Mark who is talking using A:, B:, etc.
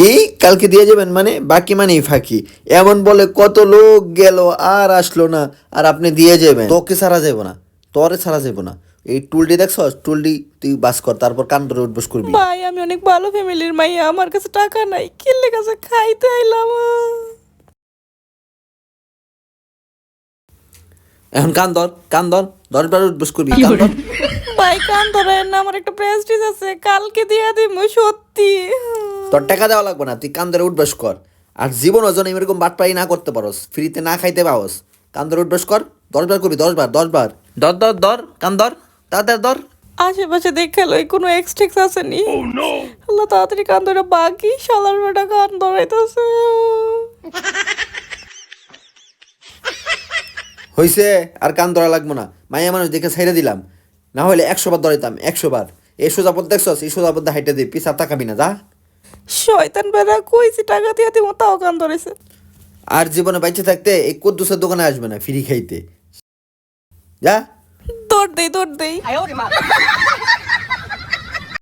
A: কি কালকে দিয়ে যাবেন মানে বাকি মানেই ফাঁকি এমন বলে কত লোক গেল আর আসলো না আর আপনি দিয়ে যাবেন তোকে ছাড়া যাবো না তোরে ছাড়া যাবো না এই টুলটি দেখছস টুলটি তুই বাস কর তারপর কান ধরে উঠবস করবি
B: ভাই আমি অনেক ভালো ফ্যামিলির মাইয়া, আমার কাছে টাকা নাই, কিল্লে কাছে খাইতে আইলাম।
A: এখন কান ধর 10 বার উঠবস করবি কান ধর
B: ভাই কান ধরেন না, আমার একটা প্রেস্টিজ আছে, কালকে দিয়ে দিব সত্যি।
A: তোর টাকা দেওয়া লাগবে না তুই কান ধরে উঠবস কর আর জীবন ওজন এরকম বাটপাই না করতে পারস ফ্রিতে না খাইতে পাওস কান ধরে উঠবস কর 10 বার করবি 10 বার ধর কান ধর তাড়াতাড়ি ধর
B: আশেপাশে দেখে লই কোনো এক্সটেক্স আসেনি। আল্লাহ তাড়াতাড়ি কান ধরে, বাকি শালার বেটা কান ধরাইতেছে।
A: হইছে আর কান ধরা লাগবো না মাইয়া মানুষ দেখে ছাইড়ে দিলাম না হলে 100 বার ধরাইতাম 100 বার এই সোজাপথ দেখছস এই সোজাপথ হাইটে দিই পিছা তাকাবি না যা
B: শয়তান বেটা কইছি টাকা দিয়ে দিব, তাও কান ধরেছে।
A: আর জীবনে বাইচে থাকতে এই কুদ্দুসের দোকানে আসবে না ফ্রি খাইতে যা
B: দৌড় দেই